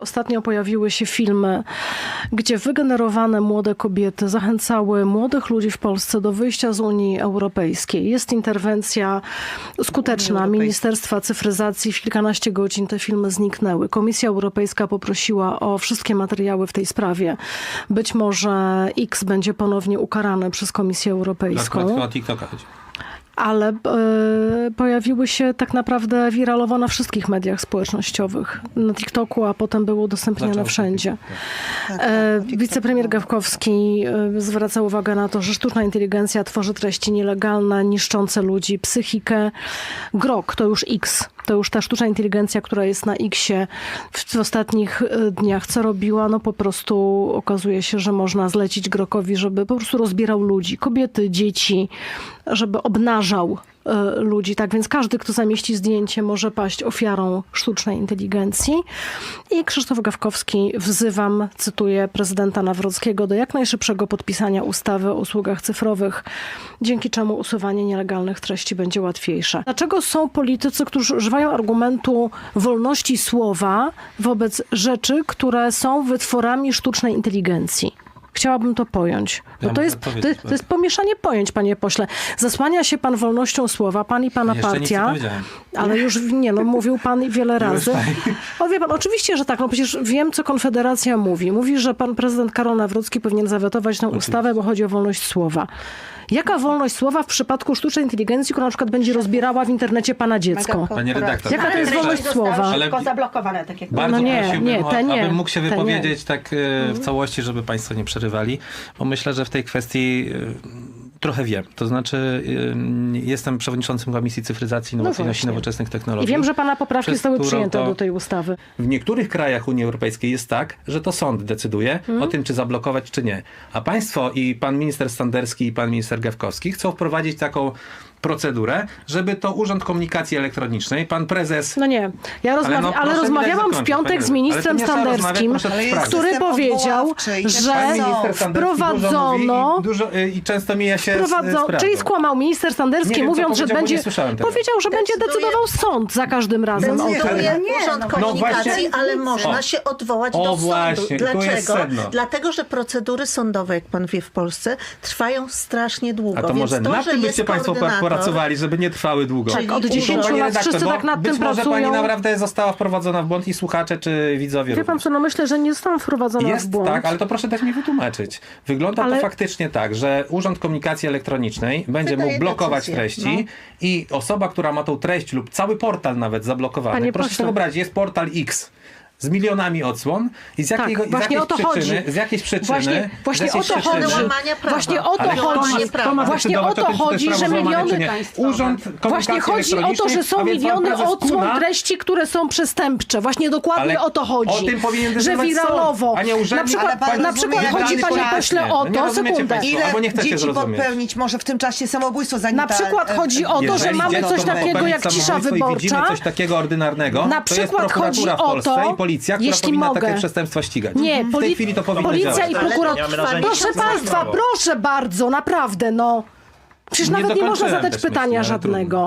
Ostatnio pojawiły się filmy, gdzie wygenerowane młode kobiety zachęcały młodych ludzi w Polsce do wyjścia z Unii Europejskiej. Jest interwencja skuteczna Ministerstwa Cyfryzacji. W kilkanaście godzin te filmy zniknęły. Komisja Europejska poprosiła o wszystkie materiały w tej sprawie. Być może X będzie ponownie ukarany przez Komisję Europejską. O TikToka chodzi. Ale pojawiły się tak naprawdę wiralowo na wszystkich mediach społecznościowych. Na TikToku, a potem były udostępniane wszędzie. Wicepremier Gawkowski zwraca uwagę na to, że sztuczna inteligencja tworzy treści nielegalne, niszczące ludzi, psychikę. Grok to już X. To już ta sztuczna inteligencja, która jest na X-ie w ostatnich dniach. Co robiła? No po prostu okazuje się, że można zlecić Grokowi, żeby po prostu rozbierał ludzi. Kobiety, dzieci, żeby obnażał ludzi. Tak więc każdy, kto zamieści zdjęcie, może paść ofiarą sztucznej inteligencji. I Krzysztof Gawkowski wzywam, cytuję prezydenta Nawrockiego, do jak najszybszego podpisania ustawy o usługach cyfrowych, dzięki czemu usuwanie nielegalnych treści będzie łatwiejsze. Dlaczego są politycy, którzy używają argumentu wolności słowa wobec rzeczy, które są wytworami sztucznej inteligencji? Chciałabym to pojąć. Bo to jest pomieszanie pojęć, panie pośle. Zasłania się pan wolnością słowa, pan i pana partia. Ale już nie, no mówił pan wiele razy. O, wie pan, oczywiście, że tak. No przecież wiem, co Konfederacja mówi. Mówi, że pan prezydent Karol Nawrocki powinien zawetować tę ustawę, bo chodzi o wolność słowa. Jaka wolność słowa w przypadku sztucznej inteligencji, która na przykład będzie rozbierała w internecie pana dziecko? Panie redaktor. Jaka to jest wolność słowa? Tylko zablokowane, tak jak bardzo prosiłbym, abym mógł się te wypowiedzieć tak w całości, żeby państwo nie przerywali, bo myślę, że w tej kwestii trochę wiem. To znaczy jestem przewodniczącym Komisji Cyfryzacji, Innowacyjności i Nowoczesnych Technologii. I wiem, że pana poprawki zostały przyjęte do tej ustawy. W niektórych krajach Unii Europejskiej jest tak, że to sąd decyduje o tym, czy zablokować, czy nie. A państwo i pan minister Standerski i pan minister Gawkowski chcą wprowadzić taką procedurę, żeby to Urząd Komunikacji Elektronicznej, pan prezes... No nie, ale rozmawiałam w piątek z ministrem Standerskim, który powiedział, że wprowadzono... I często mija się z prawdą. Czyli skłamał minister Standerski, mówiąc, że będzie... Powiedział, że będzie decydował sąd za każdym razem o tym. Urząd Komunikacji, ale można się odwołać do sądu. Właśnie, dlaczego? Dlatego, że procedury sądowe, jak pan wie, w Polsce trwają strasznie długo. A to może na tym byście państwo pracowali, żeby nie trwały długo. Tak, od 10 lat wszyscy tak nad tym pracują. Być może pani naprawdę została wprowadzona w błąd i słuchacze, czy widzowie Wie pan co, no myślę, że nie zostałam wprowadzona w błąd. Tak, ale to proszę dać mi wytłumaczyć. Wygląda to faktycznie tak, że Urząd Komunikacji Elektronicznej będzie mógł blokować treści i osoba, która ma tą treść lub cały portal nawet zablokowany. Proszę sobie wyobrazić, jest portal X z milionami odsłon i z jakiej przyczyny Właśnie o to chodzi. Właśnie o to chodzi, że miliony... Właśnie chodzi o to, że są miliony odsłon treści, które są przestępcze. Właśnie dokładnie o to chodzi. O tym powinien że wiralowo. Na przykład chodzi, panie pośle, o to, sekundę. Ile dzieci popełnić może w tym czasie samobójstwo, zanim na przykład chodzi o to, że mamy coś takiego jak cisza wyborcza. Widzimy coś takiego ordynarnego, na przykład chodzi o to, policja, która powinna takie przestępstwa ścigać. Nie, w tej chwili to powinno policja działać. i prokuratura. Proszę państwa, proszę bardzo, naprawdę, no. Przecież nawet nie można zadać pytania żadnego.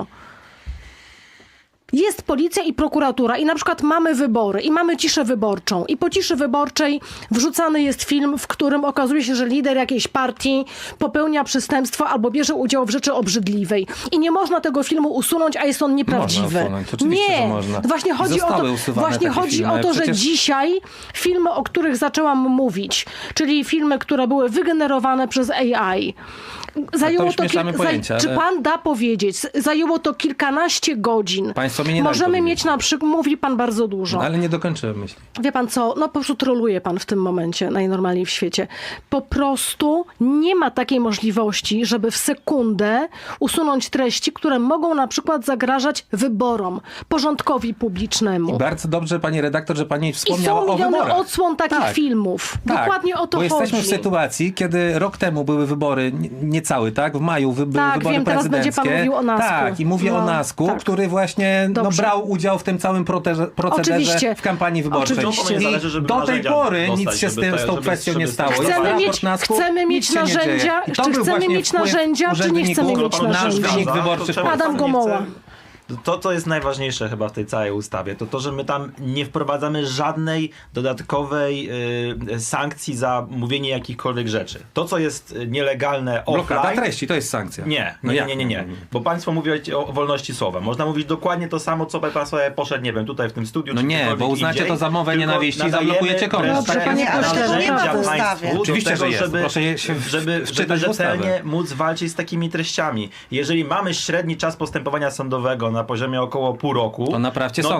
Jest policja i prokuratura i na przykład mamy wybory i mamy ciszę wyborczą i po ciszy wyborczej wrzucany jest film, w którym okazuje się, że lider jakiejś partii popełnia przestępstwo albo bierze udział w rzeczy obrzydliwej i nie można tego filmu usunąć, a jest on nieprawdziwy. Nie, można. Właśnie chodzi o to, że dzisiaj filmy, o których zaczęłam mówić, czyli filmy, które były wygenerowane przez AI, zajęło to czy pan da powiedzieć? Zajęło to kilkanaście godzin. Możemy mieć na przykład, mówi pan bardzo dużo. No, ale nie dokończyłem myśli. Wie pan co, no po prostu troluje pan w tym momencie najnormalniej w świecie. Po prostu nie ma takiej możliwości, żeby w sekundę usunąć treści, które mogą na przykład zagrażać wyborom, porządkowi publicznemu. I bardzo dobrze, pani redaktor, że pani wspomniała o wyborach. I są miliony odsłon takich filmów. Tak, dokładnie o to bo chodzi. Jesteśmy w sytuacji, kiedy rok temu były wybory, niecały, tak? W maju były wybory prezydenckie. Teraz będzie pan mówił o NASK-u. Tak, i mówię o NASK-u, który właśnie brał udział w tym całym procederze w kampanii wyborczej. I do tej pory nic się z tą kwestią nie stało. Chcemy mieć narzędzia, czy chcemy mieć narzędzia, czy nie chcemy mieć narzędzi? Nasz wynik wyborczy w Polsce. Adam Gomoła. To, co jest najważniejsze chyba w tej całej ustawie, to że my tam nie wprowadzamy żadnej dodatkowej sankcji za mówienie jakichkolwiek rzeczy. To, co jest nielegalne Blokada offline... treści to jest sankcja. Nie. Bo państwo mówią o wolności słowa. Można mówić dokładnie to samo, co pan sobie poszedł, nie wiem, tutaj w tym studiu, No czy nie, gdziekolwiek bo uznacie indziej, to za mowę tylko nienawiści i nadajemy zablokujecie konto. wreszcie Dobrze, panie takie pośle, narzędzia to nie ma w państwu ustawie. do Oczywiście, tego, że jest. żeby, Proszę się żeby wczytać w ustawę. rzetelnie móc walczyć z takimi treściami. Jeżeli mamy średni czas postępowania sądowego na poziomie około pół roku, To naprawcie no sądy.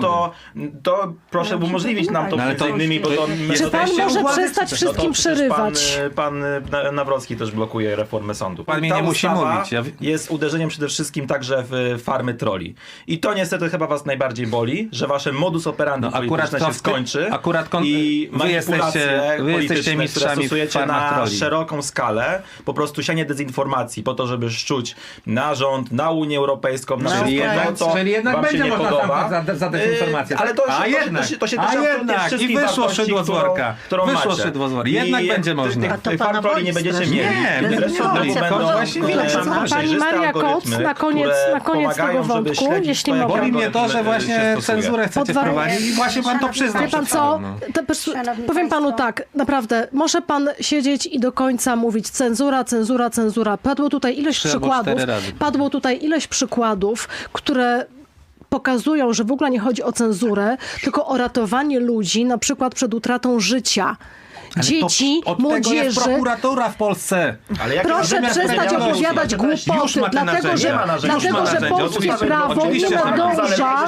to proszę umożliwić nam to No ale między to- innymi, bo to Czy pan Jesteście może władzy, przestać czy- wszystkim przecież przerywać? Pan Nawrocki też blokuje reformę sądu. Pan mnie Ta nie musi ustawa mówić. jest uderzeniem przede wszystkim także w farmy trolli. I to niestety chyba was najbardziej boli, że wasze modus operandi No, akurat polityczne to się w ty- skończy akurat i wy jesteście polityczne, mistrzami które w stosujecie farmach na trolli. szeroką skalę, po prostu sianie dezinformacji po to, żeby szczuć na rząd, na Unię Europejską, na Czyli wszystko jednak, to, co czyli jednak wam będzie się nie można podoba. za dezinformację. Ale tak? to się też jednak i wszystkich wyszło wartości, szydło z worka. którą Wyszło macie. szydło z worka. Jednak I będzie można. A to Tych pana farm trolli boli nie będziecie strasznie. mieli. Nie, Wreszcie nie, znowu nie, będą właśnie widać. przejrzyste Pani Maria Koc, algorytmy, na koniec które tego pomagają, żeby wątku, śledzić jeśli to, jak mogę. Boli mnie to, że algorytm właśnie się stosuje. cenzurę chcecie Podwa- wprowadzić i właśnie pan to przyznał. Wie pan przed co? chwilą, no. Szanowni Powiem panu państwo. tak, naprawdę, może pan siedzieć i do końca mówić cenzura, cenzura, cenzura. Padło tutaj ileś 3 albo przykładów, 4 razy. padło tutaj ileś przykładów, które pokazują, że w ogóle nie chodzi o cenzurę, tylko o ratowanie ludzi, na przykład przed utratą życia. Ale Dzieci, to, od tego jest młodzieży. prokuratura w Polsce. Ale jakie Proszę narzędzia przestać premialności? opowiadać Już głupoty, ma te dlatego narzędzia. że, Nie ma narzędzi. Już ma dlatego, że narzędzia. polskie Oczywiście, prawo nie oczywiście, że nadąża,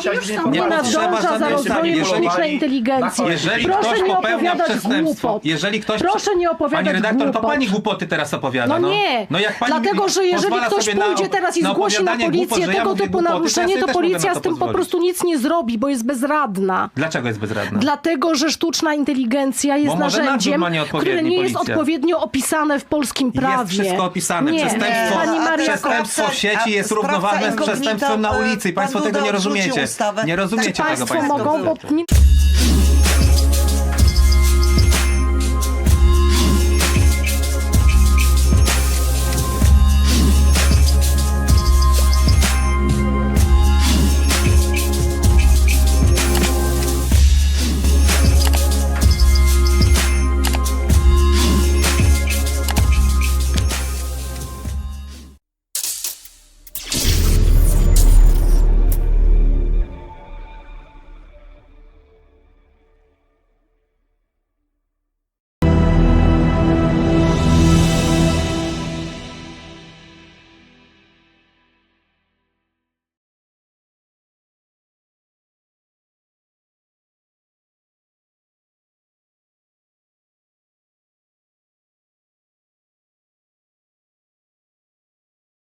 nie nadąża za Jeżeli- rozwojem sztucznej inteligencji. Jeżeli Proszę ktoś nie popełnia opowiadać przestępstwo, głupot. jeżeli ktoś... Proszę nie opowiadać Pani redaktor, to głupot. pani głupoty teraz opowiada. No nie, no jak pani dlatego że jeżeli pozwala ktoś sobie pójdzie teraz i zgłosi na opowiadanie policję głupot, że ja tego mówię typu głupoty, naruszenie, ja to sobie też mogę policja na z to tym po pozwolić. prostu nic nie zrobi, bo jest bezradna. Dlaczego jest bezradna? Dlatego, że sztuczna inteligencja jest Bo może nadzór narzędziem, ma nieodpowiedni, które nie jest policja. odpowiednio opisane w polskim prawie. Jest wszystko opisane. Nie. Przestępstwo, Pani Maria przestępstwo w sieci jest sprawca równoważne z incognito, przestępstwem na ulicy i pan państwo tego Duda nie odrzucił rozumiecie. ustawę. Nie rozumiecie tego Państwo państwo. mogą, bo